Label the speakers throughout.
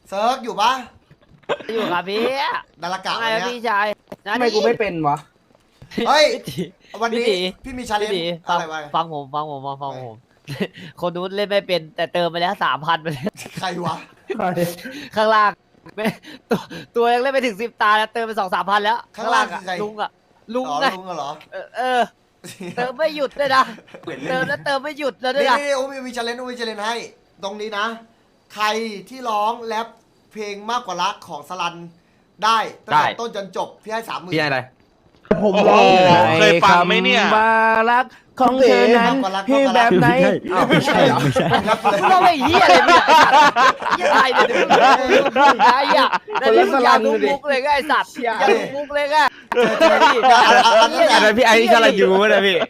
Speaker 1: เซิร์กอยู่ปะ
Speaker 2: อยู่กับพี่
Speaker 1: ดารากะ
Speaker 2: ไง
Speaker 1: วันเนี้ย
Speaker 2: พี่ชาย
Speaker 3: ทำไมกูไม่เป็นวะ
Speaker 1: เฮ้ย
Speaker 2: พี่ตี
Speaker 1: วันนี้
Speaker 2: พี่ตี
Speaker 1: พี่มีชาเลนจ์
Speaker 2: พี่ตี
Speaker 1: อะไรวะ
Speaker 2: ฟังผม คนนู้นเล่นไม่เป็นแต่เติมไปแล้ว3,000ไปเลย
Speaker 1: ใครวะ
Speaker 2: ข้างล่างไม่ตัวยังเล่นไปถึง10 ตาแล้วเติมไป2-3 พันแล้ว
Speaker 1: ข้างล่างคือใคร
Speaker 2: ลุง
Speaker 1: อ๋อ
Speaker 2: ไง
Speaker 1: ลุงเหรอ
Speaker 2: เออเติมไม่หยุดเลยนะเติมแล้วเติมไม่หยุดแล้วด้วย
Speaker 1: นี่
Speaker 2: นะ
Speaker 1: นี่โอ้มีชาเลนจ์ให้ ตรงนี้นะ ใครที่ร้องแรปเพลงมากกว่ารักของสลันได้ตั้งแต่ต้นจนจบพี่ให้30,000
Speaker 4: พี่อะไร
Speaker 3: ผมร้อง
Speaker 5: เคยฟังไหมเนี่ย
Speaker 3: คำว่ารักของเธอนั้นที่แบบไหนอ้าวไม่ใช่เหรอ
Speaker 2: มึงเราไม่เฮียอะไรเนี่ยเฮียไทยเนี่ยมึงไอ้เหี้ยแต่นี่มึงอย่าดูมุกเลยไงไอ้สัตว์อย่าดูมุกเลยไง
Speaker 4: อันนั้นพี่ไอ้ชาลายูนะพี่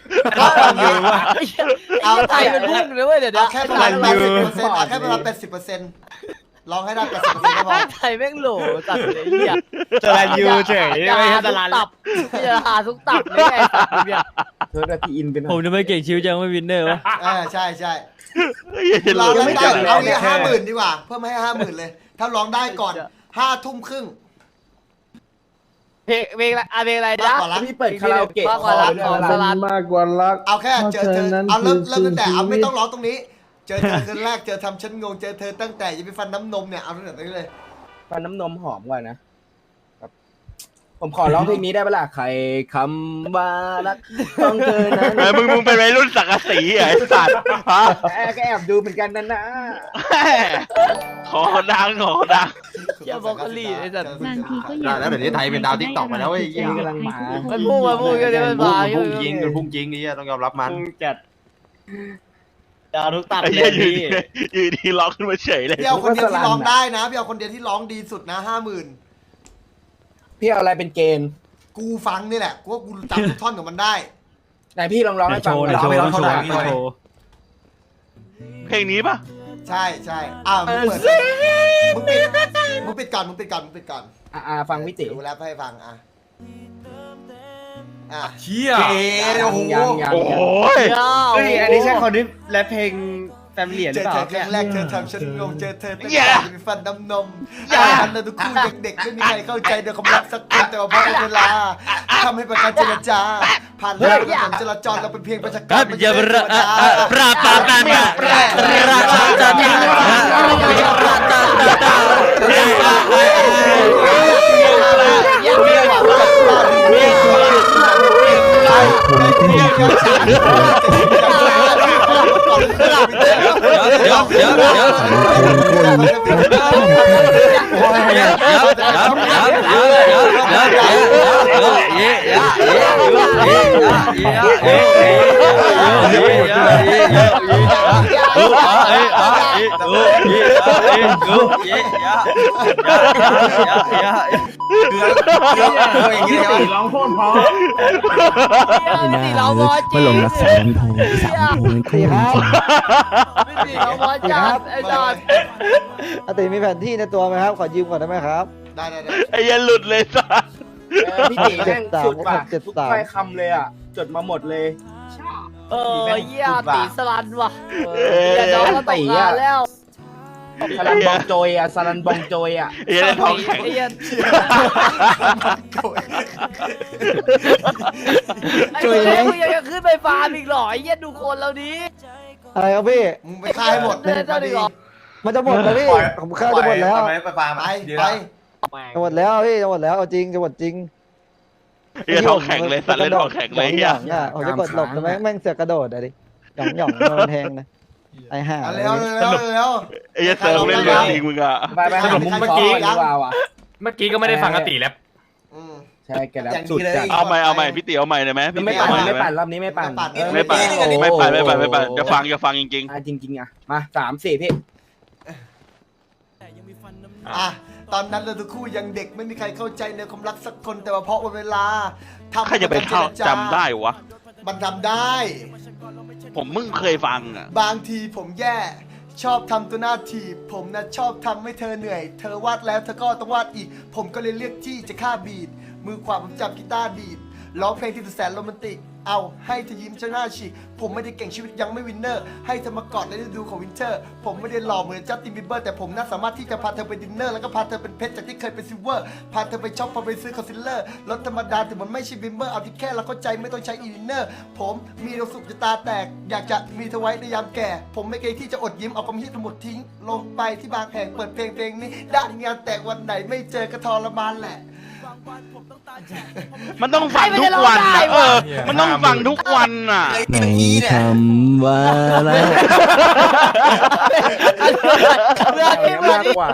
Speaker 2: เอาไทยเป็นพุ่งเลยเว้ยเดี๋ยว
Speaker 1: เอาแค่ประมาณ80%เอาแค่ประมาณ80%ร้องให้ได้80%ก็พอ
Speaker 2: ไทยแม่งโหลสัตว์เลยเฮีย
Speaker 4: ชาลายูเฉยไม่ใช่ชาลา
Speaker 2: ตับอย่าหาทุกตับเลยไงไอ้สัตว์เนี่ย
Speaker 3: เธอได้พี่อินเป็น
Speaker 6: ผมจะไม่เก่งชิวจังไม่วินเนอร์วะ
Speaker 1: ใช่ร้องได้เอางี้50,000ดีกว่าเพิ่มให้50,000เลย ถ้าร้องได้ก่อน5 ทุ่มครึ่ง
Speaker 2: เพลงอะไรนะ
Speaker 3: พี่เปิดคาราโอเกะ
Speaker 2: มากกว่ารักของสลัน
Speaker 7: มากกว่ารัก
Speaker 1: เอาแค่เจอเธอเอาเริ่มตั้งแต่เอาไม่ต้อง
Speaker 7: ร้
Speaker 1: ร้องตรงนี้ เจอเธอคืนแรกเจอทำฉันงงเจอเธอตั้งแต่ยังไปฟันน้ำนมเนี่ยเอาตั้งแต่ตรงนี้เลย
Speaker 3: ฟันน้ำนมหอมกว่านะผมขอร้องเพลงนี้ได้ปะล่ะใครคำว่ารักของเธอนั้น
Speaker 5: มึงเป็นวัยรุ่นสังกะสีเหรอไอ้สัตว์ฮะ
Speaker 3: ก็แอบดูเหมือนกันนะ
Speaker 5: ขอดัง
Speaker 2: เชี่ยบล็อกโคลี่ไอ้สัตว์
Speaker 8: บางทีก็อยาก
Speaker 4: แล้วเดี๋ยวนี้ไทยเป็นดาวทิกตอกไปแล้วเว้ย
Speaker 3: นี่กำลังมา
Speaker 2: มันพุ่งก็จะมันมา
Speaker 4: พุ่งจริงมันพุ่งจริงนี่ต้องยอมรับมัน
Speaker 6: จัดดาวทุกตับ
Speaker 5: ไอ้
Speaker 6: เล
Speaker 5: เหี้ย
Speaker 6: ย
Speaker 5: อยู่
Speaker 6: พี่
Speaker 5: ดีร้องขึ้นมาเฉยเลย
Speaker 1: พี่เอาคนเดียวที่ร้องได้นะพี่เอาคนเดียวที่ร้องดีสุดนะ50,000
Speaker 3: พี่เอาอะไรเป็นเกณฑ์
Speaker 1: กูฟังนี่แหละกูว่ากูจำทุกท่อนของมันได้
Speaker 3: ไหนพี่ลองร้องให้
Speaker 6: โช
Speaker 3: ฟัง
Speaker 6: ว์
Speaker 3: หน่อย
Speaker 6: โชว์โชว์โชว์
Speaker 5: เพลงนี้ปะ
Speaker 1: ใช่มึงเปิดมึงปิดก่อน
Speaker 3: ฟังพี่ติ
Speaker 1: ดูแรปให้ฟัง
Speaker 4: เชี่ย
Speaker 1: โอ้โห
Speaker 5: โอ้ย
Speaker 4: เฮ้ยอันนี้ใช่คนที่แรปเพลงแฟมิลี่ห
Speaker 1: เจ
Speaker 4: รือ
Speaker 1: อ
Speaker 4: เปล่า
Speaker 1: เธอครั้งแรกเธอทำฉันงงเจอเธอตั้ง
Speaker 5: อย่า
Speaker 1: แต่มีฟันน้ำนมอันนั้นทุกคู่เด็กๆไม่มีใครเข้าใจในความรักสักคนแต่ว่าเพราะเวลาทำให้ประการเจรจาผ่านเรื่องถนนจราจรเราเป็นเพียงประชาการไม่ใช่เทวดา
Speaker 4: ปราปาปาปาราชาจานีเดี๋ยว
Speaker 7: ร้องโคตรพอ
Speaker 2: เราบอจริง
Speaker 7: ลงละ3 โพงคู่
Speaker 2: พี่เราบอจัดไอ้สัตว์
Speaker 7: อาติมีแผนที่ในตัวไหมครับ ขอยืมก่อนได้ไหมครับ
Speaker 1: ได้
Speaker 5: ไอ้เหี้ยันหลุดเลยสัตว์
Speaker 3: พี่ติแม่งสุดว่ะทุกถ้อยคำเลยอ่ะจดมาหมดเลย
Speaker 2: เหี้ยตีสลันว่ะเหี้ยน้องก็ตกงานแล้ว
Speaker 3: สลันบองโจยอ่ะสลันบองโจยอ่ะ
Speaker 5: ไอ้เหี้ยันทองแข็ง
Speaker 2: ไอ้เหี้ยมึงยังขึ้นไปฟาร์มอีกเหรอไอ้เหี้ยดูคนเราดิ
Speaker 7: อะไรครับพี่
Speaker 1: มึงไปฆ่าให้หมด
Speaker 2: เล่นได้ดีกว่า
Speaker 7: มันจะหมดแล้วพี่ ผมฆ่าจะหมดแล้ว
Speaker 4: ไปฟาร์ม
Speaker 1: ไป
Speaker 7: จะหมดแล้วพี่จะหมดแล้วเอาจริงจะหมดจริง
Speaker 5: ไอ้เหี้ยันทองแข็งเลยสัตว์เล่นทองแข็งเลยเหี้ย
Speaker 7: ผมจะกดหลบแต่แม่งเสือกกระโดดอะดิหย่องโดนแทงนะไอ้ห่า
Speaker 1: เร็ว
Speaker 5: ไอ้เหี้ยันเซิร์ฟเล่นเรื่องจริงมึงอะ
Speaker 3: ไปหามุมเมื่อกี้ดีกว่าว่ะ
Speaker 4: เมื่อกี้ก็ไม่ได้ฟังอติแรป
Speaker 3: ใช่แกแล้วสุดจัด
Speaker 5: เอาใหม่พี่ติ๋วเอาใหม่ได้ไหมพี่
Speaker 3: ไม่
Speaker 5: ติ๋ว
Speaker 3: ปั่น
Speaker 5: เอาใหม่ได้
Speaker 3: ไม่
Speaker 5: ไหม
Speaker 3: ปั่นรอบนี้ไม่ปั่น
Speaker 5: ไม่ปั่นจะฟังจริง
Speaker 3: จริงอ่ะมา3-4พี่
Speaker 1: ตอนนั้นเราทุกคู่ยังเด็กไม่มีใครเข้าใจในความรักสักคนแต่ว่าเพราะเวลา
Speaker 5: ๆใครจะไปเข้าจำได้วะ
Speaker 1: มันทำได้
Speaker 5: ผมมึงเคยฟังอะ
Speaker 1: บางทีผมแย่ชอบทำตัวหน้าถีบผมนะชอบทำให้เธอเหนื่อยเธอวาดแล้วเธอก็ต้องวาดอีก ผมก็เลยเลือกที่จะฆ่าบีดมือขวาผมจับกีตาร์ดีดร้องเพลงที่สุดแสนโรแมนติกเอาให้เธอยิ้มชนะฉีกผมไม่ได้เก่งชีวิตยังไม่วินเนอร์ให้เธอมากอดในฤดูของวินเทอร์ผมไม่ได้หล่อเหมือนจัสตินบีเบอร์แต่ผมน่าสามารถที่จะพาเธอไปดินเนอร์แล้วก็พาเธอเป็นเพชรจากที่เคยเป็นซิลเวอร์พาเธอไปช็อปพาไปซื้อคอนซีลเลอร์รถธรรมดาแต่มันไม่ใช่บิมเบอร์เอาที่แค่เราเข้าใจไม่ต้องใช้อินเนอร์ผมมีความสุขจะตาแตกอยากจะมีเธอไว้ในยามแก่ผมไม่เคยที่จะอดยิ้มเอาความคิดทั้งหมดทิ้งลงไปที่บางแห่งเปิดเพลงนี้ด้านงานแต่วันไหนไม่เจอก็ทรมานแหละ
Speaker 5: มันต้องฟังทุกวันนะมันต้องฟังทุกวันน่ะ
Speaker 3: ในคำว่ารัก
Speaker 2: เรื่องที่มัน
Speaker 3: มากกว่า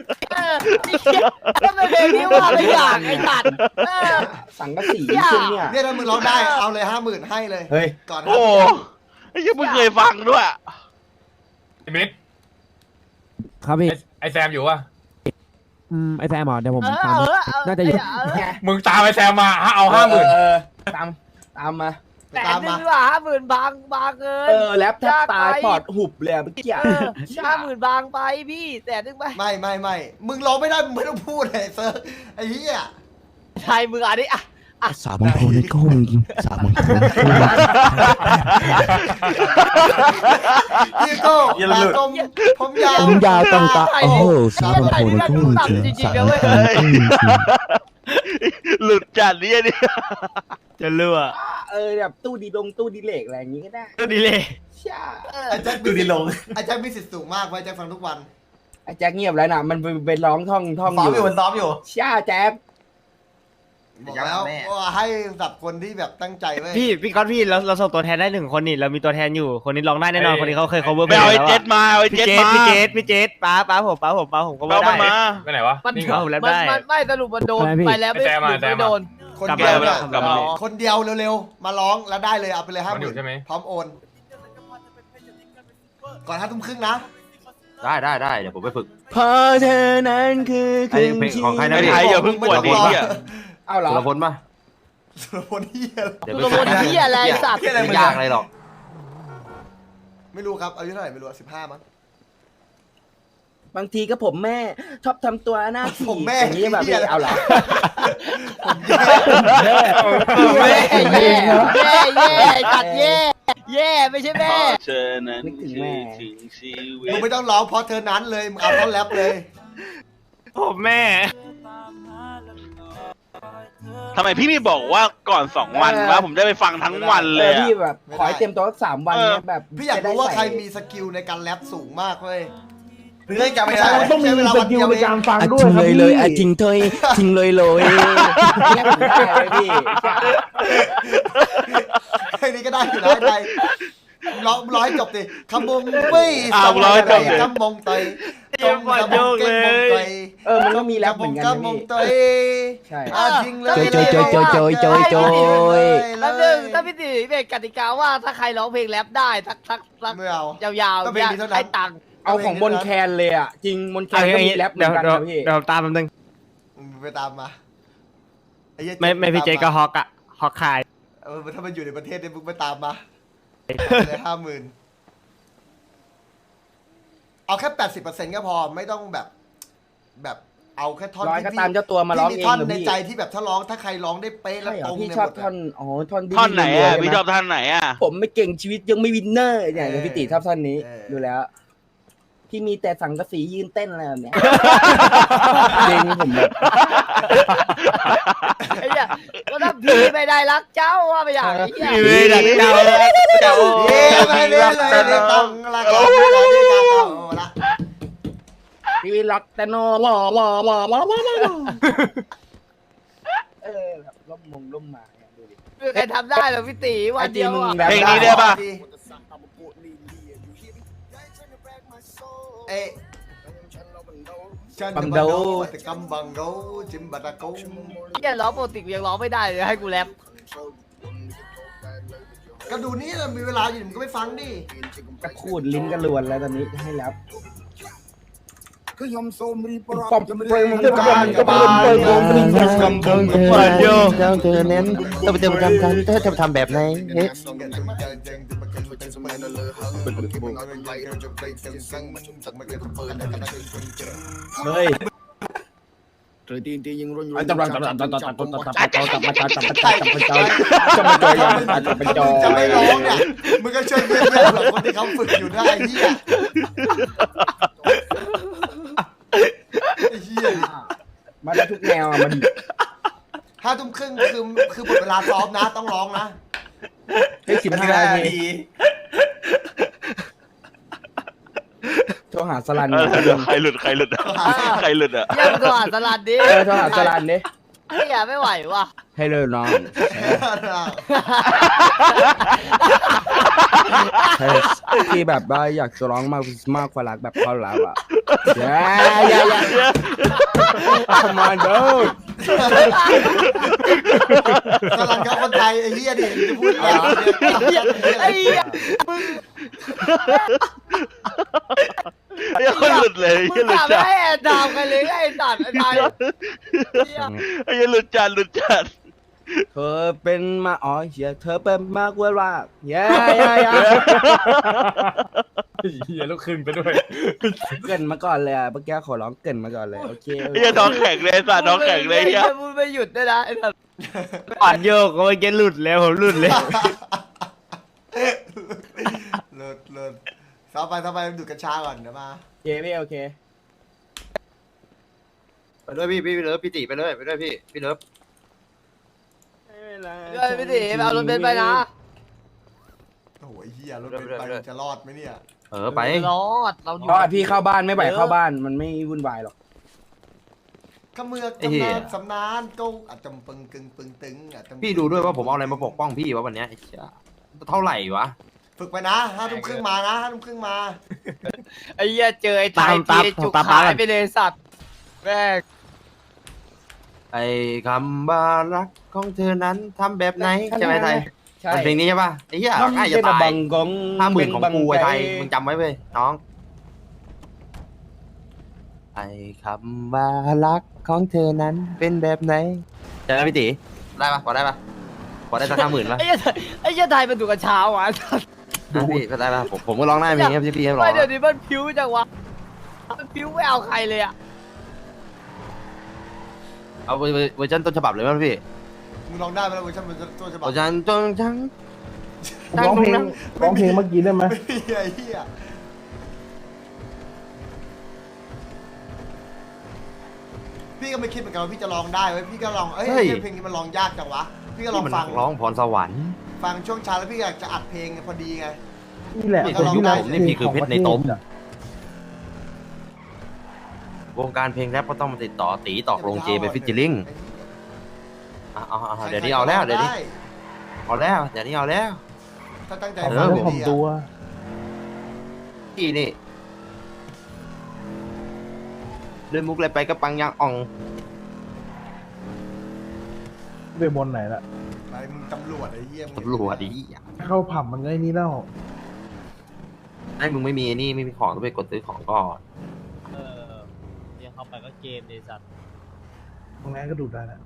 Speaker 2: ก็เป็นเพลงที่ว่าไม่อยากไอ้สัตว์
Speaker 3: สังกะสีจริงเนี่ย
Speaker 1: เนี่ยถ้ามึงร้องได้เอาเลย50,000ให้เลย
Speaker 3: เฮ้ย
Speaker 1: ก่อน
Speaker 5: โอ้ยยังไม่เคยฟังด้วย
Speaker 8: ไอ้มิด
Speaker 6: ครับพี่
Speaker 8: ไอ้แซมอยู่วะ
Speaker 6: ไอแซมเหรอเดี๋ยวผมตามน่าจะอยู่
Speaker 8: มึงตามไอ้แซมมาเอา50,000
Speaker 3: ตามมา
Speaker 2: แต่นึกว่า50,000บางเงิน
Speaker 3: แรปแทบตายปอดหุบเลยเมื่อกี้
Speaker 2: 50,000บางไปพี่แต่นึกไป
Speaker 1: ไม่มึงร้องไม่ได้มึงไม่ต้องพูดเลยเซิร์ฟไอ้เหี้ย
Speaker 2: ใช่มึงอันนี้อ่ะ
Speaker 3: สาบังโพในก้มสาบังโพในก้ม
Speaker 1: พี่โก้ตากลมผมยาว
Speaker 3: ผมยาวตรงตาโอ้โหสาบังโพในก้มจริงสาบังโพในก้มจริง
Speaker 5: หลุดจัดเนี่ยดิ
Speaker 6: จะเลือ
Speaker 3: แบบตู้ดีเหล็กอะไรอย่างงี้ก็ได้
Speaker 6: ก็ดีเลย
Speaker 3: ช่า
Speaker 1: ไอ้แจ็คดูดิลงไอ้แจ็คมีสิทธิ์สูงมากไว้แจ็คฟังทุกวัน
Speaker 3: ไอ้แจ็คเงียบแล้วนะมันเป็นร้องท่องอยู่มันซ้อมอยู่ช่าแจ็ค
Speaker 1: บอกแล้วว่าให้สับคนที่แบบตั้งใจไว้
Speaker 6: พี่ก๊อตพี่เราส่งตัวแทนได้1 คนนี่เรามีตัวแทนอยู่คนนี้ร้องได้แน่นอนคนนี้เขาเคย cover
Speaker 5: ไปเอาไอ้เจ็ดมาเอาไอ้
Speaker 6: พี่
Speaker 5: เจ็ด
Speaker 6: เจ
Speaker 5: มา
Speaker 6: พี่เจป้าผมก็
Speaker 5: เอา
Speaker 6: ได้
Speaker 5: มันมา
Speaker 8: ไปไหนวะ
Speaker 2: มัน
Speaker 8: นี่เหรอ
Speaker 6: ผมแรปได้
Speaker 2: ไม่สรุปมันโดนไปแล้วไม่โดน
Speaker 1: คนเดียวเนี่ย
Speaker 5: กลับมา
Speaker 1: คนเดียวเร็วๆมาร้องแล้วได้เลยเอาไปเลย
Speaker 8: มันอยู่ใช่ไหม
Speaker 1: 50,000พร้อมโอนก่อน5 ทุ่มครึ่งนะ
Speaker 9: ได้เดี๋ยวผมไปฝึก
Speaker 3: พอเธอนั้นคือครึ่งชี
Speaker 9: ของใครนะ
Speaker 5: ไอ้ไทยอย่าเพิ่งปวดดิเหี้ย
Speaker 3: เอาเหรอ
Speaker 9: สุรพลป่ะ
Speaker 1: สุรพลเฮีย
Speaker 9: เดี๋ยว
Speaker 2: ตัวบนที่อะไรสัตว์
Speaker 9: ไม่ยากอะไรหรอก
Speaker 1: ไม่รู้ครับอายุเท่าไหร่ไม่รู้15มั้ง
Speaker 3: บางทีก็ผมแม่ชอบทำตัวหน้าที่
Speaker 1: ผมแม่
Speaker 3: อย่างนี้แบบนี้เอาเหรอ
Speaker 2: แย่จัดแย่ไม่ใช่แม่
Speaker 5: เธอนั้นคือถึงชีวิ
Speaker 1: มึง
Speaker 5: ต
Speaker 1: ไม่ต้องร้องเพราะเธอนั้นเลยมึงเอาต้นแรปเลย
Speaker 6: ผมแม่
Speaker 5: ทำไมพี่ไม่บอกว่าก่อน2 วันวะผมได้ไปฟังทั้งวันเลยอะ
Speaker 3: พี่แบบขอให้เต็มตัวสัก3 วันเนี่ยแบบ
Speaker 1: พี่อยากรู้ว่าใครมีสกิลในการแรปสูงมากเว้ยเรื่องจำไม่ได้
Speaker 7: ต้องมี
Speaker 1: ใช้เวลา
Speaker 7: ส
Speaker 1: วัน
Speaker 7: กิ
Speaker 1: เดี
Speaker 7: ล
Speaker 1: ยว
Speaker 7: ใน
Speaker 1: เอง
Speaker 7: การฟัง
Speaker 3: อ่ะ
Speaker 7: ด้ว
Speaker 3: จ
Speaker 7: ย
Speaker 3: ริง
Speaker 7: ครับ
Speaker 3: เลย
Speaker 7: พี่
Speaker 3: เลยอ่ะจริงเทยจริงเลยเนี่ยผมได้เลยพี่
Speaker 1: เพลงนี้ก็ได้อยู่นะใจร้อยจบดิคำมงไม่
Speaker 5: ร้อยจบดิ
Speaker 1: คำมงเตย
Speaker 3: มันก็มีแรปเหมือนกัน
Speaker 1: คำมงเตย
Speaker 3: ใช่
Speaker 1: จริงเลย
Speaker 3: โจย
Speaker 2: แล้วนึงถ้าพี่ตีเป็นกติกาว่าถ้าใครร้องเพลงแรปได้สัก
Speaker 1: ไม่เอา
Speaker 2: ยาว
Speaker 1: ต้องเพลงนี้เท่านั้น
Speaker 2: ให้ตังค์
Speaker 3: เอาของบนแคนเลยอ่ะจริงบนแคนก็มีแรปเหมื
Speaker 6: เดี๋
Speaker 3: อย
Speaker 6: วน
Speaker 3: กันนะพี่
Speaker 6: เดี๋ยวตามแป๊บนึง
Speaker 1: ไปตามมาอ้เหี้ย
Speaker 6: ไม่พี่เจก็ฮอกอะฮอกคาย
Speaker 1: ถ้ามันอยู่ในประเทศเนี่ยมึงไปตามมาเลย50,000เอาแค่80%ก็พอไม่ต้องแบบเอาแค่ท่อน
Speaker 3: ร้อยก็ตามเจ้าตัวมาร้อง
Speaker 1: ที่
Speaker 3: เอ
Speaker 1: มี
Speaker 3: ง
Speaker 1: ท่อน
Speaker 3: เหรอ
Speaker 1: ใน
Speaker 3: พี่
Speaker 1: ใจที่แบบถ้าร้องถ้าใครร้องได้เป๊ะแล้ว
Speaker 3: ใช่เหร
Speaker 1: ต
Speaker 3: อ
Speaker 1: รง
Speaker 3: พี่
Speaker 1: เนี่ย
Speaker 3: ชอบ
Speaker 1: หมด
Speaker 3: ท่อนท่อนที่
Speaker 5: ท่อนไหน
Speaker 3: รัวๆ
Speaker 5: อ่ะ
Speaker 3: ใช่
Speaker 5: พี่
Speaker 3: ไหม
Speaker 5: ชอบท่อนไหนอ่ะ
Speaker 3: ผมไม่เก่งชีวิตยังไม่วินเนอร์อย่างพี่ติชอบท่อนนี้ดูแล้วที่มีแต่สังกะสียืนเต้นอะไรแบบเนี้ยจริงผมแบบ
Speaker 2: ไอ้เนี่ยก็ถ้าพี่ไม่ได้รักเจ้าว่าไปอย่างไอ้เนี่ย
Speaker 5: พี่ไม่ได้รักเจ้า
Speaker 1: เย้ไม่ได้เลยไม่ต้องละกันไม่ได้กันเอาละ
Speaker 3: พี่วิล็อกแต่นอหล่อแบบล่มมาเนี่ยดูดิ
Speaker 2: คือใครทำได้เหรอพี่ตีวันเดียวอ่ะ
Speaker 3: แบบ
Speaker 5: เพลงนี้ได้ป่ะ
Speaker 1: เอ๊ะฉันจะบังโดแต่กำบังโดจิมบัตะกง
Speaker 2: เนี่ยร้องปกติกูยังร้องไม่ได้เลยให้กูแรป
Speaker 1: ก็ดูนี่มีเวลาอยู่มึงก็ไปฟังดิ
Speaker 3: กระขูดลิ้นกระลวนแล้วตอนนี้ให้แล้วปอมเปรย์มันก็มันก็มันเปิดวงลิ้นกำกำ
Speaker 6: เปิดโย
Speaker 3: เธอเน้นต้องไปเติมทำแบบไหนเฮ้ย เฮ้ย
Speaker 1: จะไม่ร้องเนี่ยมึงก็ช่วยเพื่อนๆเผื่อคนที่เขาฝึกอยู่ได้ไอ้เหี้ยไอ้เหี้ย
Speaker 3: มาได้ทุกแนวมัน
Speaker 1: 5 ทุ่มครึ่งคือหมดเวลาซ้อมนะต้องร้องนะ
Speaker 3: ให้15 นาทีโทรหาสลัน
Speaker 5: ใครหลุดใครหลุดอะใครหลุดอะ
Speaker 2: ยังตัวสลัดดิ
Speaker 3: โทรหาสลันดิ
Speaker 2: ไม่อยากไม่ไหวว่ะ
Speaker 3: ให้เลยน้องที่แบบว่าอยากจะร้องมากกว่ารักแบบเขารักอ่ะอย่า come on dude
Speaker 1: กำลังกับคนไทยไอ้เหี้ยดิจะพูดอะไร
Speaker 2: ไอ้เหี้ย
Speaker 5: ไอ้คนหลุดเลย
Speaker 2: มึ
Speaker 5: ไอ้
Speaker 2: ง
Speaker 5: หลุด
Speaker 2: กลับ
Speaker 5: จัด
Speaker 2: ให้แอนดามกันเลยไอ้สัตว์ไอ้ตาย
Speaker 5: ไอ้หลุดจัดหลุดจัด
Speaker 3: เธอเป็นมาอ๋อเหี้ยเธอเป็นมากกว่ารักอย่า
Speaker 8: เฮียลูกขึ้นไปด้วย
Speaker 3: เกินมาก่อนเลยอ่ะเมื่อกี้ขอร้องเกินมาก่อนเลยโอเค
Speaker 5: ไอ้น้องแข็งเลยสัตว์น้องแข็งเลย
Speaker 2: ไอ้
Speaker 5: เฮีย
Speaker 2: มึงไม่หยุดด้วยนะไอ้สัตว์
Speaker 6: ก่อนโยกก็เมื่อกี้หลุดแล้วผมหลุดเลย
Speaker 1: เลิศซ้อมไปดูดกัญชาก่อนเดี๋ยวมา
Speaker 3: โอเคพี่โอเค
Speaker 9: ไปด้วยพี่เลิฟพี่ตีไปเลยพี่เลิฟ
Speaker 2: เฮ้ยพี่ตีเอารถเบนซ์ไปนะ
Speaker 1: โอ้โหไอ้เหี้ยรถเป็นไปจะรอดไหมเนี่ย
Speaker 9: ไป
Speaker 2: รอดเราอยู่
Speaker 3: ก็พี่เข้าบ้านไม่ไหวเข้าบ้านมันไม่วุ่นวายหรอก
Speaker 1: ขมือกกำนานสำนานก็อาจจะปึงกึงปึงตึงอาจจะ
Speaker 9: พี่ดูด้วยว่าผมเอาอะไรมาปกป้องพี่วะวันเนี้ยไอ้เหี้ยเท่าไหร่วะ
Speaker 1: ฝึกไปนะ5 ทุ่มครึ่งมานะ5 ทุ่มครึ่งมา
Speaker 2: ไอ้เหี้ยเจอไอ้ตายทีจุกหายไปเลยสัตว์แม่ง
Speaker 9: ไอ้คำว่ารักของเธอนั้นทำแบบไหนใช่ไหมไทย
Speaker 3: ใช่
Speaker 9: มันเพลงนี้ใช่ป่ะไอ้เหี้ยง่ายจะตาย
Speaker 3: กง
Speaker 9: 50,000ของกูไอ้ไทยมึงจำไว้เว้ยน้องไอ้คำว่ารักของเธอนั้นเป็นแบบไหนใช่ไหมพี่ตีได้ปะพอได้สัก50,000ป่ะ
Speaker 2: ไอ้เหี้ยไทยมันดูกันเช้าอ่ะ
Speaker 9: พี่ก็ได้ปะผมก็ร้องได้เพลงนี้พี่ให้ร้อง
Speaker 2: ไม่เดี๋ยวนี้มันพิ้วจังวะมันพิ้วไม่เอาใครเลยอ่ะ
Speaker 9: เอาเวอร์ชันต้นฉบับเลยมั้ยพี่
Speaker 1: มึงลองได้ไหมล่ะเวอร์ชันมันตัวฉบับ
Speaker 9: เวอร์ชันต้นจัง
Speaker 7: ร้องเพลงเมื่อกี้ได้ไหม
Speaker 1: ไม่มีไอ้เหี้ยพี่ก็ไม่คิดเหมือนกันว่าพี่จะลองได้เว้ยพี่ก็ลองเพลงนี้มันลองยากจังวะพี่ก็ลอง
Speaker 9: มัน
Speaker 1: ฟัง
Speaker 9: ร้องพรสวรรค์
Speaker 1: ฟังช่วงเช้าแล้วพี่อยากจะอัดเพลงพอดีไง
Speaker 7: นี่แหละ
Speaker 9: นี่คือยุคผมนี่พี่คือเพชรในโต๊ะวงการเพลงแรปก็ต้องมาติดต่อตีตอกลงเจไปฟิชเชอร์ลิงเดี๋ยวนี้เอาแล้วเดี๋ยวนี้เอาแล้ว
Speaker 1: ถ้าตั้งใจ
Speaker 9: เอ
Speaker 1: ฟั
Speaker 9: อ
Speaker 1: งดีๆอะ
Speaker 9: พี่นี่เล่นมุกอะไรไปก็ปังยังอ่อง
Speaker 7: ไปบนไหนละ
Speaker 1: ไปมึงตำรวจไอ้เหี้ยมึง
Speaker 9: ตำรวจดิ
Speaker 7: เข้าผับมันก็ไอ้นี่แล้ว
Speaker 9: ไอ้มึงไม่มีนี่ไม่มีของต้องไปกดซื้อของก่อน
Speaker 6: เรียกเข้าไปก็เกมเลยสัตว์
Speaker 7: ตรงนั้นก็ดูได้นะ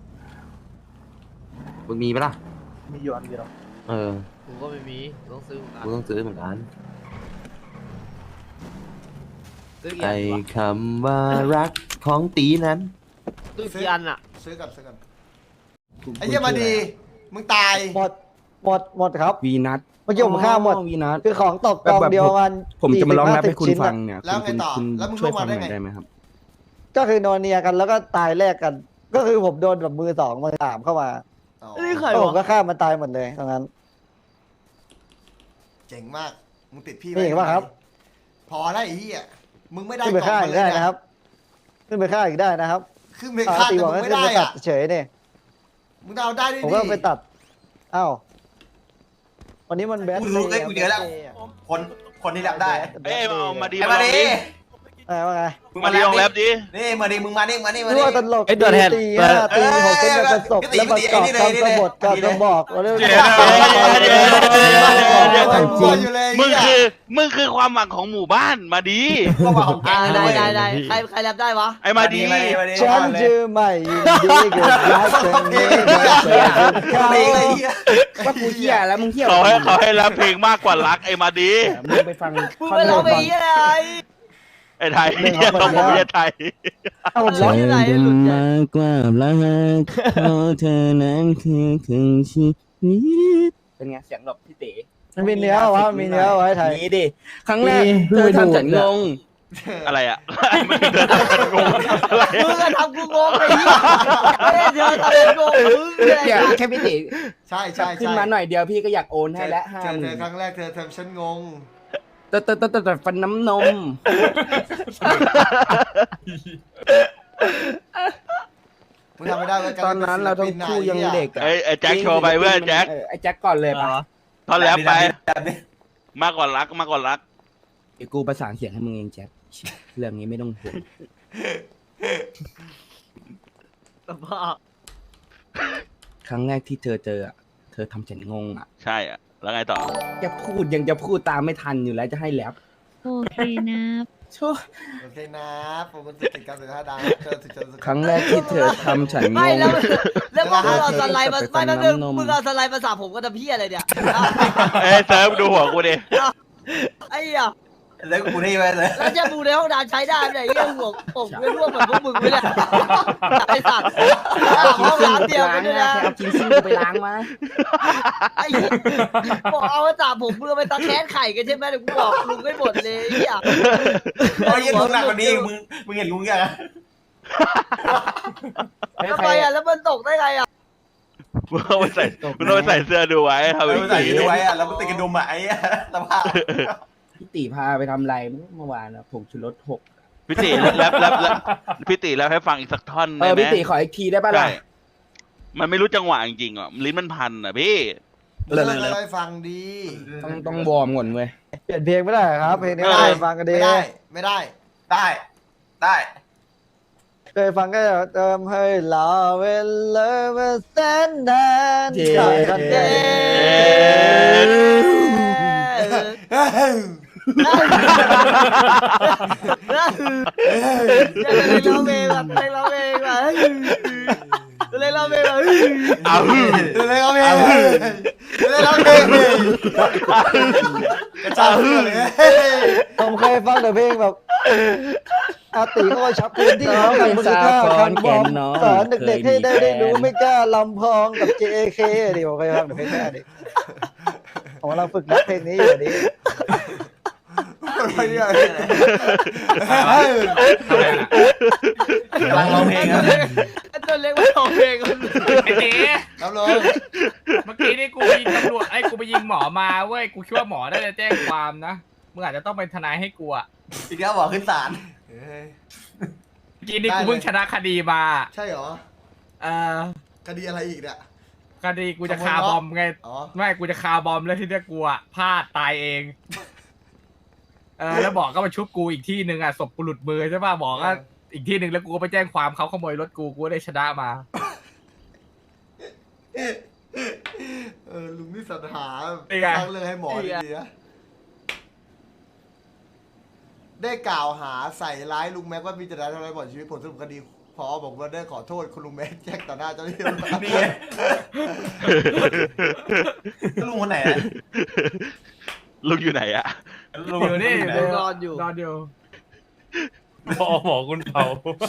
Speaker 9: มึงมีปะล่ะ
Speaker 7: มีอยู่อันเดียว
Speaker 2: กูก็ไม่มีต้องซื้อ
Speaker 9: กูต้องซื้อเหมือนกัน
Speaker 2: ซื้อกี่
Speaker 9: ไอ้
Speaker 2: อันวะ
Speaker 9: คำว่ารักของตีนั้น
Speaker 2: ซื้อกี่อันอ่ะ
Speaker 1: ซื้อกันไอ้เหี้ยมาดีมึงตาย
Speaker 7: หมดครับ
Speaker 3: วีนัท
Speaker 7: เมื่อกี้ผมฆ่าหมด
Speaker 3: วีนัท
Speaker 7: คือของตกกองเดียวมัน
Speaker 3: ผมจะมาร้องแรปให้คุณ
Speaker 7: 40-50
Speaker 3: ฟั
Speaker 7: ชิ้
Speaker 3: ง
Speaker 7: น
Speaker 3: เนี่ย
Speaker 1: แล้วไงต่อ
Speaker 3: คุณ
Speaker 1: แล้วมึง
Speaker 3: ช่วย
Speaker 1: เข้า
Speaker 3: ฟั
Speaker 1: มาง ได้
Speaker 3: หน่อย
Speaker 1: ไง
Speaker 3: ได้ไหมครับ
Speaker 7: ก็คือนอนเนียกันแล้วก็ตายแลกกัน ก็คือผมโดนแบบมือ 2 มือ 3เข้ามา
Speaker 1: อ๋อ
Speaker 2: นี่ใคร
Speaker 7: แล้วผม
Speaker 2: วะ
Speaker 7: ก็ฆ่ามันตายหมดเลยตรงนั้น
Speaker 1: เจ๋งมากมึงติดพี่
Speaker 7: นี่เห็นปะครับ
Speaker 1: พอแล้วไอ้เหี้ยมึงไม่ได้
Speaker 7: ขึ้นไปฆ่าอีกได้
Speaker 1: กล่งมเลย
Speaker 7: นะครับขึ้นไปฆ่าอีกได้นะครับ
Speaker 1: ขึ้นไปฆ่า
Speaker 7: ตี
Speaker 1: แต่
Speaker 7: บอก
Speaker 1: มึง
Speaker 7: ให้
Speaker 1: ไม่
Speaker 7: ขึ้น
Speaker 1: ได้
Speaker 7: ไปตัด
Speaker 1: อ่ะ
Speaker 7: เฉยเนี่ย
Speaker 1: มึงเอาได้ดิ
Speaker 7: ผมก็ไปตัดอ้าววันนี้มันแบท
Speaker 10: กูรู้เลยกูเจอแล้ว คนที่แรปได้
Speaker 5: เอ้ยเอามาดี
Speaker 10: ไอ้
Speaker 5: มา
Speaker 10: มา
Speaker 5: ลอง
Speaker 10: ดิ
Speaker 5: ดิ
Speaker 7: ว่าไง
Speaker 5: มาดีลองแรปดิ
Speaker 10: นี่มาดิมึงมานี่
Speaker 7: รู้ว่าตลก
Speaker 6: ไอ้ตัวแทน
Speaker 7: ตี5ตี6เส้นกระสบแล้วประกอบคำกบฏกระบอกว่าเรื่อง
Speaker 5: มึงคือความหวังของหมู่บ้านมาดี
Speaker 10: ก็ว่าของแก
Speaker 2: ได้ใครแรปได้วะ
Speaker 5: ไอ้มาดี
Speaker 7: ฉันจะไม่ยินดีกับรักครั้งนี้
Speaker 3: ว่ากูเที่ยแล้วมึงเที่ย
Speaker 5: เขาให้แรปเพลงมากกว่ารักไอ้มาดี
Speaker 3: มึงไปฟัง
Speaker 2: มึงไปร้องเพลงอะไร
Speaker 5: ไอ้ไทยต้องผมไม่ใช่ไทย
Speaker 7: เอาผม
Speaker 2: ร้
Speaker 7: ร้
Speaker 2: อ
Speaker 7: อง ง
Speaker 2: อยู่ไหนหลุดเนี่ย
Speaker 3: มากกว่ารักเพราะเธอนั้นคือครึ่งชีวิตเป็นไงเสียงแบบพี่เต๋
Speaker 7: มันมีเนื้อวะมีเนื้อไว้ไทย
Speaker 3: มีดิครั้งแรกเธอทำฉันงง
Speaker 5: อะไรอ่ะมันเดินงงอะไร
Speaker 2: มึงอะทำกูงงไอ้เหี้ยไม่ได้เธอทำกูงงมึงเลย
Speaker 3: เดี๋ยวแค่พี่เต๋
Speaker 1: ใช่ใช่
Speaker 3: ขึ้น
Speaker 1: ใช่
Speaker 3: มาหน่อยเดียวพี่ก็อยากโอนให้แล้ว
Speaker 1: เจอเธอครั้งแรกเธอทำฉันงง
Speaker 3: แต่ฟันน้ำนม
Speaker 1: มึงทำไม่ได้เว้ย
Speaker 3: ตอนนั้นเราทั้งคู่ยังเด็กอะ
Speaker 5: ไอ้แจ็คโชว์ไปเพื่อนแจ็ค
Speaker 3: ไอ้แจ็คก่อนเลยปะ
Speaker 5: ท่อนแรปไป
Speaker 10: แบบนี้
Speaker 5: มากกว่ารักมากกว่ารัก
Speaker 3: เดี๋ยวกูประสานเสียงให้มึงเองแจ็คเรื่องนี้ไม่ต้องห่วง
Speaker 2: สภาพ
Speaker 3: ครั้งแรกที่เธอเจออะเธอทำฉันงงอ่ะ
Speaker 5: ใช่อ่ะแล้วไงต่อ
Speaker 3: จะพูดยังจะพูดตามไม่ทันอยู่แล้วจะให้แรป
Speaker 11: โอเคนะ
Speaker 3: ชั่ว
Speaker 1: โอเคนะผมมันติดการสื่อสารดังเจอสุด
Speaker 3: ครั้งแรกที่เธอทำฉันง
Speaker 2: ไม่
Speaker 3: ง
Speaker 2: แล้วมึงเอาสไลด์มาไม่แล้ว
Speaker 3: น้ำนม
Speaker 2: มึงเอาสไลด์มาสาผมก็ทำเพี้ยอะไรเนี่ย
Speaker 5: เอ้ยเซิร์ฟดูหัวกูดิ
Speaker 2: ไอ้เหี้ย
Speaker 10: แล้วกูนี่ไปเลย
Speaker 2: แล้วจะบูในห้องน้ำใช้ได้ไหมเนี่ยเรื่องหัวผมไม่ร่วมเหมือนพวกมึงไม่ได้ไอ้สัตว์ห้องน้ำเดียวกันด้วยนะ
Speaker 3: เอากินซิ่งไปล้างมา
Speaker 2: ไอ้เหี้ยบอกเอามาจับผมมึงเอาไปตะแคสไข่กันใช่ไหมเดี๋ยวกูบอกลุงไม่หมดเลยไอ้เหี้ย
Speaker 10: โอ้ยลุงหนักกว่านี้มึงเห็นลุงยัง
Speaker 2: ทำไมอ่ะแล้วมันตกได้ไงอ่ะ
Speaker 5: มึงเอาไปใส่มึงเอาไปใส่เสื้อดูไว้ทำ
Speaker 10: เรา
Speaker 5: ไอ้
Speaker 10: ใส่
Speaker 5: สี
Speaker 10: ด้วยอ่ะแล้วมันติดกระดุมอ่ะไอ้สภาพ
Speaker 3: พี่ตีพาไปทำอะไรเมื่อวานนะผงชูรสหก
Speaker 5: พี่ติแล้วพี่ติแล้วให้ฟังอีกสักท่อนได้ไหม
Speaker 3: พี่ตีขออีกทีได้ป่ะล่ะ
Speaker 5: ใช่มันไม่รู้จังหวะจริงๆอ่ะลิ้นมันพันอ่ะพี่
Speaker 1: ๆเลิกให้ฟังดี
Speaker 3: ต้องวอร์มก่อนเว้ย
Speaker 7: เปลี่ยนเพลงไม่ได้ครับเพลงนี้
Speaker 1: ไม่ได้
Speaker 7: ฟังกันดี
Speaker 1: ไม่ได้ไม่ได้
Speaker 10: ได้ได้
Speaker 7: เคยฟังก็เติมให้ลาเวลามาแสนนาน
Speaker 3: เย้
Speaker 7: ใช่กันเย้
Speaker 2: เราเองแบบเราเองแบบเราเองแบบ
Speaker 5: อ้าว
Speaker 1: เลยเขาเพลงเลยเขาเพลงกระชากเพื่อนเลย
Speaker 7: ผมเคยฟังแต่เพลงแบบอาติก็ว่าชับพื้นที่เขากับมือข้าคันบอมสอนเด็กๆให้ได้รู้ไม่กล้าลำพองกับ JK ดิผมเคยฟังแต่เพลงแค่นี้ผมกำลังฝึกนักเพลงนี้อยู่นี้
Speaker 1: อะไรเนี่ย
Speaker 10: กำลังร้องเพลงอ่ะ
Speaker 2: ตัวเล็กมาร้องเพลงกัน
Speaker 8: ไอ้เต๋
Speaker 1: ครับลุง
Speaker 8: เมื่อกี้นี่กูไปยิงตำรวจกูไปยิงหมอมาเว้ยกูคิดว่าหมอน่าจะแจ้งความนะมึงอาจจะต้องเป็นทนายให้กูอ่ะ
Speaker 10: อีกแล้วบอกขึ้นศาล
Speaker 8: เมื่อกี้นี่กูเพิ่งชนะคดีมา
Speaker 1: ใช่เหรอ
Speaker 8: เออ
Speaker 1: คดีอะไรอีกเนี่ย
Speaker 8: คดีกูจะคาบอมไง
Speaker 1: อ๋อ
Speaker 8: ไม่กูจะคาบอมแล้วที่เนี่ยกูอ่ะพลาดตายเองแล้วบอกก็มาชุบกูอีกที่หนึ่งอ่ะศพกูหลุดมือใช่ป่ะบอกก็อีกที่หนึ่งแล้วกูก็ไปแจ้งความเขาขโมยรถกูได้ชนะมา
Speaker 1: ลุงนี่สรรหา
Speaker 8: เป็นไง
Speaker 1: ตั้งเรื่องให้หมอดีๆนะได้กล่าวหาใส่ร้ายลุงแม็กว่ามีเจตนาทำร้ายบ่อนชีวิตผลสรุปคดีพอบอกว่าได้ขอโทษคุณลุงแม็กแจ้งต่อหน้าเจ้าหน้าที่
Speaker 10: นี่ไงลุงคนไหน
Speaker 5: ลุงอยู่ไหนอะ
Speaker 10: ลุง
Speaker 8: อยู่นี่
Speaker 2: นอนอยู่
Speaker 8: นอนอยู่
Speaker 4: หมอคุณเผา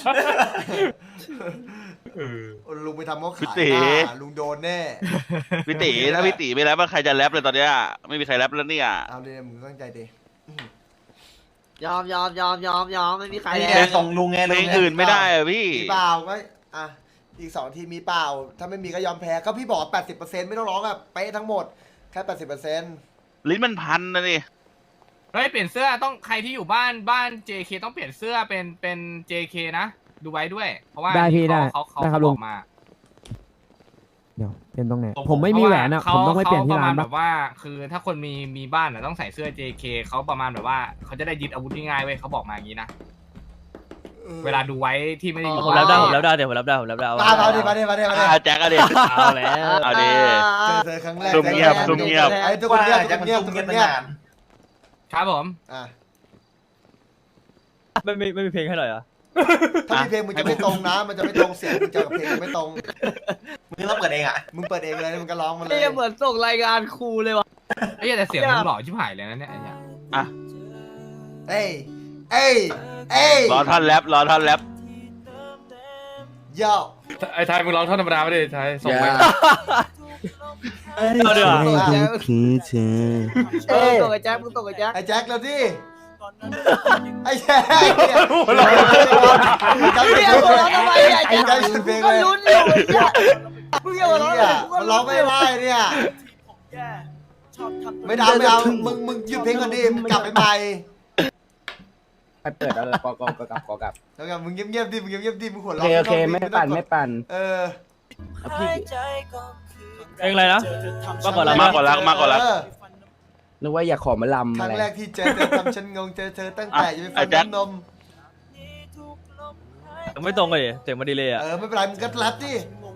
Speaker 1: ลุงไปทำเขา
Speaker 5: พี่
Speaker 1: ขาย
Speaker 5: ติ
Speaker 1: หน้าลุงโดนแน่
Speaker 5: พี่ติถ้าพี่ติไม่แรปใครจะแรปเลยตอนเนี้ยไม่มีใครแรปแล้วเนี่ย
Speaker 1: เอาเลยมึงตั้งใจดิ
Speaker 2: ยอมไม่มีใคร
Speaker 10: ไอ้
Speaker 2: แล้
Speaker 10: เนี่ยว ส่งลุงไง
Speaker 5: เพลงอื่นไม่ได้อะพี่
Speaker 1: มีเปล่าก็อ่ะอีก2 ทีมีเปล่า ถ้าไม่มีก็ยอมแพ้ก็พี่บอก 80%ไม่ต้องร้องอ่ะเป๊ะทั้งหมดแค่ 80%
Speaker 5: ลิ้นมันพันนะนี่
Speaker 8: เฮ้ยเปลี่ยนเสื้อต้องใครที่อยู่บ้าน JK ต้องเปลี่ยนเสื้อเป็น JK นะดูไว้ด้วย เพราะว่า
Speaker 7: ได้พี่ได้
Speaker 8: เขา
Speaker 7: ได้ครับลุง
Speaker 8: บอกมา
Speaker 7: เดี๋ยวเป็นตรงไหนผมไม่มีแหวนอ่ะผมต้องไปเปลี่ยนที่ร้าน
Speaker 8: ขประมณ
Speaker 7: ปะ
Speaker 8: แบบว่า คือถ้าคนมีบ้านอ่ะต้องใส่เสื้อ JK เขาประมาณแบบว่าเขาจะได้ยึดอาวุธง่ายๆเว้ยเขาบอกมาอย่างนี้นะเวลาดูไว้ที่ไม่ได้อยู่
Speaker 6: ผมรับได้ผมรับได้เดี๋ยวผมรับได้ผมรับได้
Speaker 1: มาดิมาดิ
Speaker 5: แจ็คอะดิ
Speaker 6: เอาแล้ว
Speaker 5: เอาดิ
Speaker 1: เจอครั้งแรก
Speaker 5: ซุ่มเงียบซุ่มเงียบ
Speaker 1: ไอ้ทุกคนเงียบทุกคนเงียบทุกคนเงียบ
Speaker 8: ครับผม
Speaker 1: อ่ะ
Speaker 6: ไม่มีเพลงให้หน่อยเหรอ
Speaker 1: ถ้ามีเพลงมึงจะไม่ตรงนะ มันจะไม่ตรงเสียงมึงจะกับเพลงจะไม่ตรง
Speaker 10: มึงต้องเปิดเองอ่ะ
Speaker 1: มึงเปิดเองเลยมึงก็ร้องมันเล
Speaker 2: ไอ้
Speaker 1: ย
Speaker 2: เหี้ยเหมือนส่งรายงานครูเลยวะ
Speaker 8: ไอ้เหี้ยแต่เสียงมึงหล่อชิบหายเลยนะเนี่ยไอ้เนี่ย
Speaker 1: เอ้ยเอ้ย
Speaker 5: รอท่อนแรป
Speaker 1: โย่
Speaker 8: ไอ้ไทยมึงร้องท่อนธรรมดาไม่ได้ไทยส่งไป
Speaker 6: เอาเดี๋ยว
Speaker 3: คือเธอ
Speaker 2: ตกไอ้แจ็คมึงตกไอ้แจ็ค
Speaker 1: ไอ้แจ็คแล้วดิไอ้แจ็คเนี่ย
Speaker 2: เรียกหัวเราะทำไมไอ้แจ็ค
Speaker 1: ไอ้แจ็คสุดเพลง
Speaker 2: ก็
Speaker 1: เลย
Speaker 2: ลุ้นอยู่ไอ้แจ็คมึงอย่าหัวเราะ
Speaker 1: เนี่ยมันร้องไม่ได้เนี่ยไม่เอามึงหยุดเพลงก่อนดิมึงกลับไปใหม่
Speaker 3: ไปเปิดเอาเลยกอกลับ
Speaker 1: แล้วกันมึงเงียบๆดิมึงเงียบๆดิมึงหัว
Speaker 3: โอ
Speaker 1: เราะ
Speaker 3: เคไม่ปั่น
Speaker 1: เออ
Speaker 3: พี่
Speaker 6: เพลงอะไรนะมากกว่าเรา
Speaker 5: มากกว่ารัก
Speaker 1: เออ
Speaker 3: นึกว่าอยากขอมาลำ
Speaker 1: ครั้
Speaker 3: อะ
Speaker 1: ง
Speaker 3: ไร
Speaker 1: แรกที่เจอเธอทำฉันงงเจอเธอตั้งแต่ยังไม่ฟังน้ำนม
Speaker 6: ไม่ตรงกันดิเสียงมันดีเลยอ่ะ
Speaker 1: ไม่เป็นไรมึงก็แรปดิ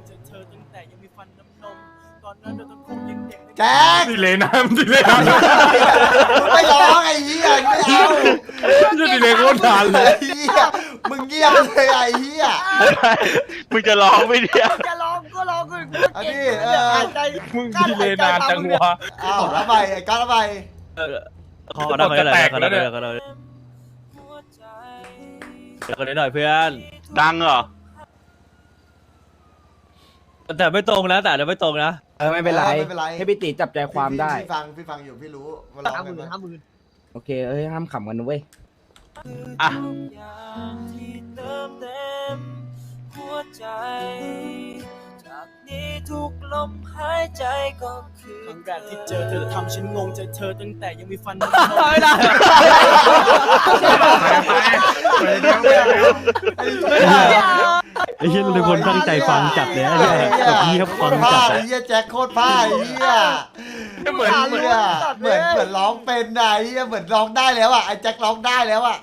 Speaker 1: แจ็ค
Speaker 8: ดิเลยนะดิเลยนะ
Speaker 1: ไม่ร้องไอ้เหี้ยไม่เอา
Speaker 8: จะดิเลยโคตรนานเลย
Speaker 1: ไอ้เหี้ยมึงเงียบเลยไอ้เหี้ย
Speaker 5: มึงจะร้องไม่เนี่ย
Speaker 2: จะร้องก็ร้องกู
Speaker 1: อันนี้
Speaker 2: หายใจ
Speaker 8: มึงดิเลยนานจังวะ
Speaker 1: อ้าวแล้วไปไอ้ก้าวแล้วไป
Speaker 6: ขอได้ไหมขอได้เดี๋ยวคนนี้หน่อยเพื่อน
Speaker 5: ดังเหรอ
Speaker 6: แต่ไม่ตรงนะแต่ไม่ตรงนะ
Speaker 3: ไม่เป็นไรให้พี่ตีจับใจความได้
Speaker 1: พี่ฟังอยู่พี่รู้มาร้องกัน
Speaker 3: โอเคห้ามขำกันนะเว้ย
Speaker 5: อ่ะ
Speaker 4: ทุกลมหายใจก็คือครั้งแรกที่เจอเธอทำฉันงงเจอเธอตั้งแต่ยังมีฟัน
Speaker 6: ไม่ได้ ไอ้เหี้ยทุกคนตั้งใจฟังจัดเลยไอ้เหี้ยแบบนี้ครับฟังจัด
Speaker 1: ไอ้เหี้ยแจ็คโคตรผ้าไอ้เหี้ยเหมือนร้องเป็นไอ้เหี้ยเหมือนร้องได้แล้วอ่ะไอ้แจ็คร้องได้แล้วอ่ะ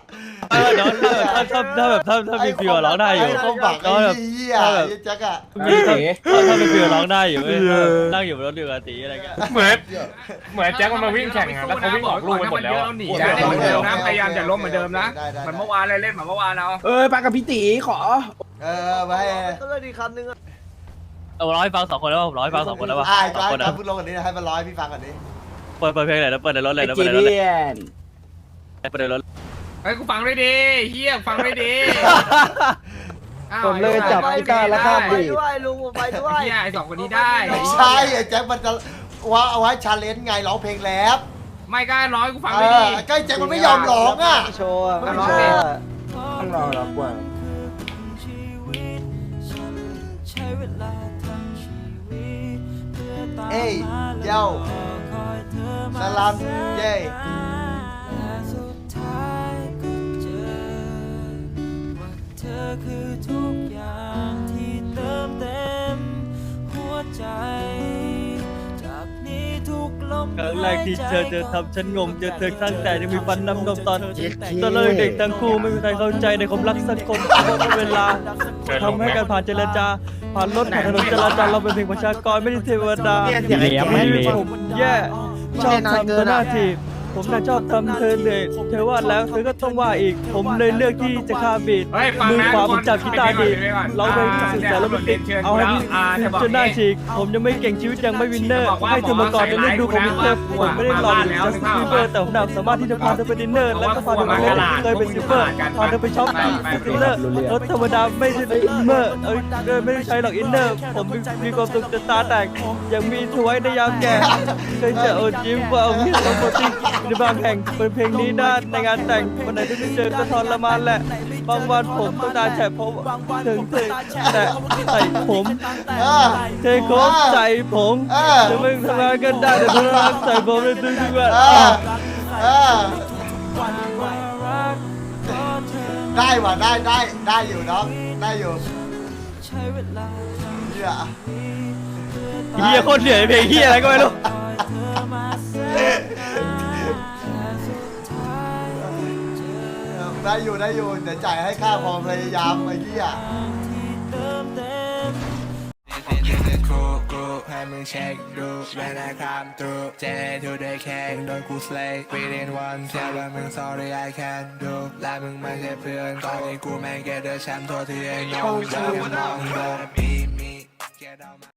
Speaker 6: ถ้ามีฟิวร้องได้อยู่
Speaker 1: ไอ้เขาบักไอ้เหี้ยไอ้แจ็คอ่ะ
Speaker 6: ถ้ามีฟิวร้องได้อยู่นั่งอยู่บนรถอยู่กับตีอะไรกัน
Speaker 8: เหมือนแจ็คมันมาวิ่งแข่งอะแล้วเขาวิ่งออกลูกไปหมดแล้วหนีนะเหมือนเดิมนะพยายามจะล้มเหมือนเดิมนะเหมือนเมื่อวานเลยเล่นเหมือนเมื่อวานเอา
Speaker 3: ไปกับพี่ตีขอ
Speaker 1: ไป
Speaker 2: ก็เลยดีคำนึงอ่ะ
Speaker 6: ร้อยฟังสองคนแล้วผมร้อยฟังสองคนแล้ววะ
Speaker 1: ไอ้
Speaker 6: สอง
Speaker 1: ก้าว
Speaker 6: คนนะ
Speaker 1: พูดลงกันนี้ให้มันร้อยพี่ฟังกันนี้
Speaker 6: เปิดเพลงไหนแล้วเปิดในรถเลย
Speaker 3: ไอ
Speaker 6: แล้ว
Speaker 3: จี
Speaker 6: เปิดในรถเลย
Speaker 3: เลียน
Speaker 6: เปิดในรถ
Speaker 8: เฮ้ยกูฟังด้วยดิเฮียฟังด้วยดิ
Speaker 7: ผมเลยจับกีตาร์แล้วข้าม
Speaker 2: ไป
Speaker 7: บีบ
Speaker 2: ด้วยลุงผมไปด้วย
Speaker 8: เฮียไอ้สองคนนี้ได้
Speaker 1: ไม่ใช่ไอ้แจ็คมันจะว่าเอาไว้ชาเลนจ์ไงร้องเพลงแรป
Speaker 8: ไม่กล้าร้อยกูฟังด้วยดิ
Speaker 1: ใกล้แจ็คมันไม่ยอมร้องอ่ะ
Speaker 7: โชว์อะ
Speaker 1: ไม่
Speaker 7: ไม่
Speaker 1: ร้
Speaker 7: โช
Speaker 1: อง
Speaker 7: ว์อะ
Speaker 3: ต้องรอแล้วกว่า
Speaker 1: เอ้ยเย้าสลัมเย้
Speaker 4: คือทุกอย่างที่เติมเต็มหัวใจจากนี้ทุกลม
Speaker 6: ครั้งแรกที่เจอทำฉันงงเจอเธอตั้งแต่ยังมีฟันน้ำนมตอนเด็กทั้งคู่ไม่มีใครเข้าใจในความรักสักคนเพราะเวลาทำให้การผ่านเจรจาผ่านรถผ่านถนนจราจรเราเป็นเพียงประชากรไม่ได้เทวดาไม่ได้ผมแย่ชอบทำตัวหน้าที่ผมน่ะชอบทำเธอเลยเธอว่าแล้วเธอก็ต้องว่าอีกผมเลยเลือกที่จะข้ามบีด
Speaker 8: เฮ้ยฟัง
Speaker 6: มือ
Speaker 8: นะ
Speaker 6: ขวาผมจับกีตาร์ดีร้องเพลงสุดแต่แล้วมันติดเอาให้พี่จนหน้าฉีกผมยังไม่เก่งชีวิตยังไม่วินเนอร์ให้เธอมาก่อนในฤดูของวินเทอร์ผมไม่ได้หล่อหรือจัสตินบีเบอร์แต่ผมหนักสามารถที่จะพาเธอไปดินเนอร์แล้วก็พาเธอไปเล่นเคยเป็นซิลเวอร์พาเธอไปช็อปซิลเลอร์รถธรรมดาไม่ใช่อินเมอร์ไม่ได้ใช้หรอกอินเนอร์ผมมีความสุขจนตาแตกยังมีถวยในยามแก่เคยจะอดยิ้มว่าเอาที่สองคนที่ในบางแห่งเป็นเพลงนี้ได้ในงานแต่งวันไหนที่ไม่เจอก็ทรมานแหละบางวันผมต้องตาแฉะเพราะถึงแต่ใส่ผมเทโคบใส่ผมจะไม่ทำงานกันได้แต่เพื่อนรักใส่ผมในทุกๆวัน
Speaker 1: ได้ว่ะได้อยู่น้องได้อยู่เหี้ย
Speaker 6: เฮียโคตรเหนื่อยเพลงเฮียอะไรก็ไม่รู้
Speaker 1: ได้อยู่เดี๋ยวจ่ายให้ค่าความพยายามไอ้เหี้ย
Speaker 4: ให้มึงเช็คดูเวลาคำตูเจทูได้แค่โดนกูสเลย์ within one แค่ว่ามึง sorry I can't do และมึงไม่ใช่เพื่อนตอนนี้กูแม่งแกเดอแชมป์ตัวที่ไอ้น้องจะมองโดนมี